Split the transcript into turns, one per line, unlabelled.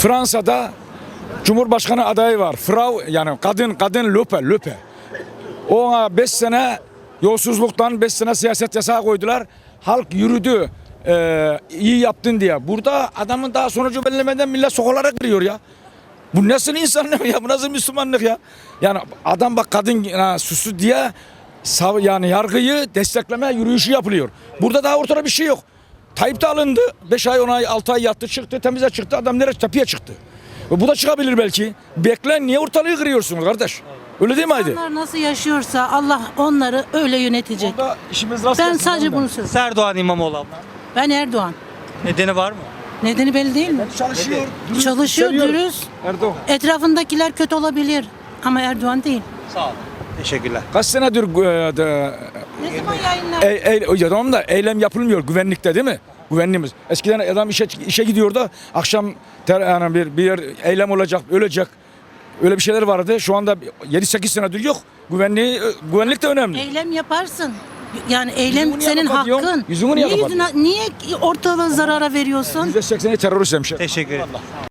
Fransa'da Cumhurbaşkanı adayı var. Frau yani kadın löpe. Ona 5 sene yolsuzluktan 5 sene siyaset yasağı koydular. Halk yürüdü. İyi yaptın diye. Burada adamın daha sonucu belirlemeden millet sokaklara giriyor ya. Bu nasıl insanlık ya? Bu nasıl Müslümanlık ya? Yani adam bak kadın suçlu diye yani yargıyı destekleme yürüyüşü yapılıyor. Burada daha ortada bir şey yok. Tayyip de alındı. 5 ay 10 ay 6 ay yattı çıktı temize çıktı. Adam nereye tepeye çıktı. Bu da çıkabilir belki. Beklen niye ortalığı kırıyorsunuz kardeş? Öyle değil mi Haydi?
İnsanlar nasıl yaşıyorsa Allah onları öyle yönetecek.
Orada işimiz rast
Ben
gelsin
sadece
ondan.
bunu söylüyorum.
Erdoğan İmamoğlu abla.
Ben Erdoğan.
Nedeni var mı?
Nedeni belli değil mi?
Çalışıyor. dürüst,
Çalışıyor,
seviyor.
dürüst.
Erdoğan.
Etrafındakiler kötü olabilir. Ama Erdoğan değil.
Sağ olun. Teşekkürler.
Kaç senedir
Ne zaman yayınlar?
ya tamam da eylem yapılmıyor güvenlikte değil mi? Güvenliğimiz. Eskiden adam işe gidiyordu. Akşam yani bir yer eylem olacak, ölecek. Öyle bir şeyler vardı. Şu anda 7-8 senedir yok. Güvenlik de önemli.
Eylem yaparsın. Yani eylem
Yüzümü niye
senin
kapatıyorsun?
hakkın.
Yüzümü niye kapatıyorsun?
Niye ortalığı zarara veriyorsun?
%80'i terörist hemşire.
Teşekkür ederim.